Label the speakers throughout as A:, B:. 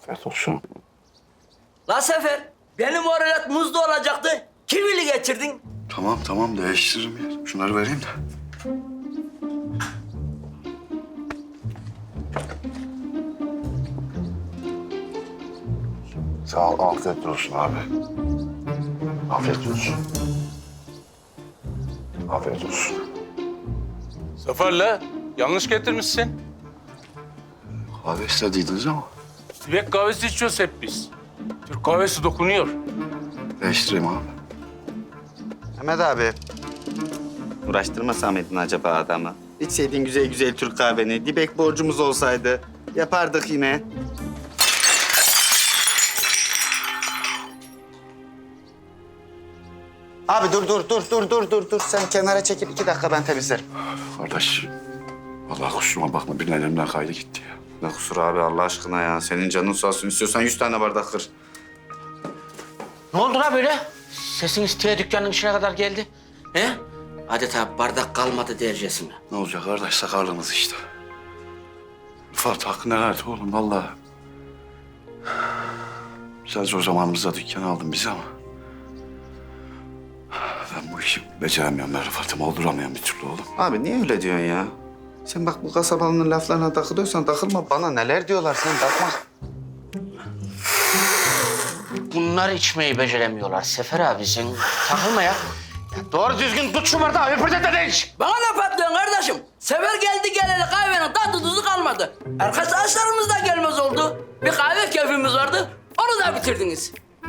A: Afiyet olsun.
B: La Sefer, benim oralet muzlu olacaktı. Kivili getirdin.
A: Tamam değiştiririm ya. Şunları vereyim de. Sağ ol, afiyet olsun abi. Afiyet olsun. Afiyet olsun.
C: Zafer'le yanlış getirmişsin.
A: Kahve istediydiniz ama
C: Tibet kahvesi içiyoruz hep biz. Türk kahvesi dokunuyor.
A: değiştireyim abi.
D: Mehmet abi. Uğraştırmasa mıydın acaba adamı? İçseydin güzel güzel Türk kahveni. Dibek borcumuz olsaydı yapardık yine. Abi dur. Sen kenara çekil. 2 dakika ben temizlerim.
A: Kardeş, vallahi kusuruma bakma. Birinin elimden kaydı gitti ya.
D: Ne kusur abi Allah aşkına ya. Senin canın sağ olsun. İstiyorsan 100 tane bardak kır.
B: Ne oldu la böyle? Sesin isteye dükkanın içine kadar geldi. He? Adeta bardak kalmadı dercesine.
A: Ne olacak kardeş, sakarlığımız işte. Rıfat hakkı nelerdi oğlum vallahi. Sen zor zamanımızda dükkanı aldın bizi ama... Ben bu işi beceremiyorum ben Rıfat'ım, olduramıyorum bir türlü oğlum.
D: Abi niye öyle diyorsun ya? Sen bak bu kasabalının laflarına takılıyorsan takılma. Bana neler diyorlar sen takma.
B: Bunlar içmeyi beceremiyorlar Sefer abi. Sen takılma ya.
E: Doğru düzgün tut şu bardağı, öpürde de iç.
B: Bana ne patlıyorsun kardeşim? Sefer geldi geleli kahvenin tadı tuzu kalmadı. Arkadaşlarımız da gelmez oldu. Bir kahve keyfimiz vardı. Onu da bitirdiniz.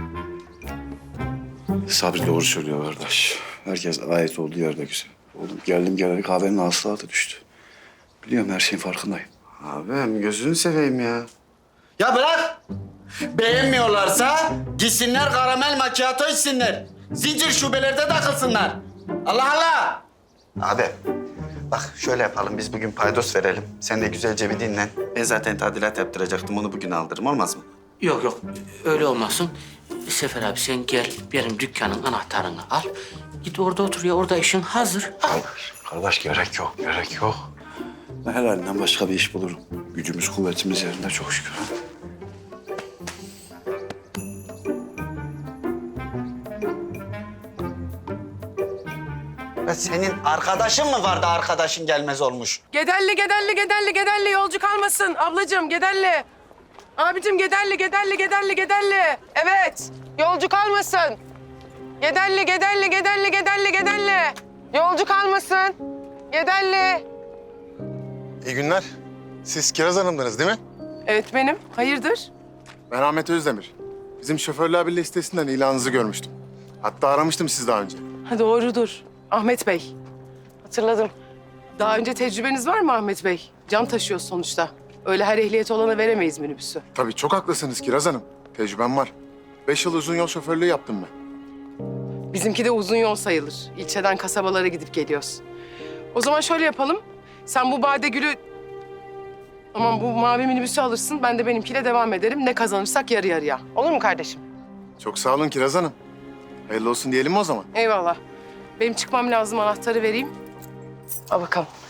A: Sabri doğru söylüyor kardeş. Herkes ait olduğu yerde güzel. Oğlum geldim geleli kahvenin hasılatı düştü. Biliyorum her şeyin farkındayım.
D: Abim gözünü seveyim ya. Ya bırak! Beğenmiyorlarsa gitsinler karamel macchiato içsinler. Zincir şubelerde takılsınlar. Allah Allah! Abi bak şöyle yapalım biz bugün paydos verelim. Sen de güzelce bir dinlen. Ben zaten tadilat yaptıracaktım onu bugün aldırırım olmaz mı?
B: Yok öyle olmasın. Sefer abi sen gel benim dükkanın anahtarını al. Git orada otur ya orada işin hazır. Al.
A: Kardeş gerek yok. Ben helalinden başka bir iş bulurum. Gücümüz, kuvvetimiz yerinde çok şükür.
D: Ya senin arkadaşın mı vardı arkadaşın gelmez olmuş?
F: Gederli yolcu kalmasın ablacığım Gederli. Abicim Gederli. Evet yolcu kalmasın. Gederli. Yolcu kalmasın. Gederli.
G: İyi günler. Siz Kiraz Hanım'dınız değil mi?
F: Evet benim. Hayırdır?
G: Ben Ahmet Özdemir. Bizim Şoförler Birliği sitesinden ilanınızı görmüştüm. Hatta aramıştım sizi daha önce.
F: Ha, doğrudur. Ahmet Bey. Hatırladım. Daha önce tecrübeniz var mı Ahmet Bey? Can taşıyoruz sonuçta. Öyle her ehliyeti olana veremeyiz minibüsü.
G: Tabii çok haklısınız Kiraz Hanım. Tecrübem var. 5 yıl uzun yol şoförlüğü yaptım ben.
F: Bizimki de uzun yol sayılır. İlçeden kasabalara gidip geliyoruz. O zaman şöyle yapalım. Sen bu Badegül'ü... Aman bu mavi minibüsü alırsın. Ben de benimkiyle devam ederim. Ne kazanırsak yarı yarıya. Olur mu kardeşim?
G: Çok sağ olun Kiraz Hanım. Hayırlı olsun diyelim mi o zaman?
F: Eyvallah. Benim çıkmam lazım. Anahtarı vereyim. Al bakalım.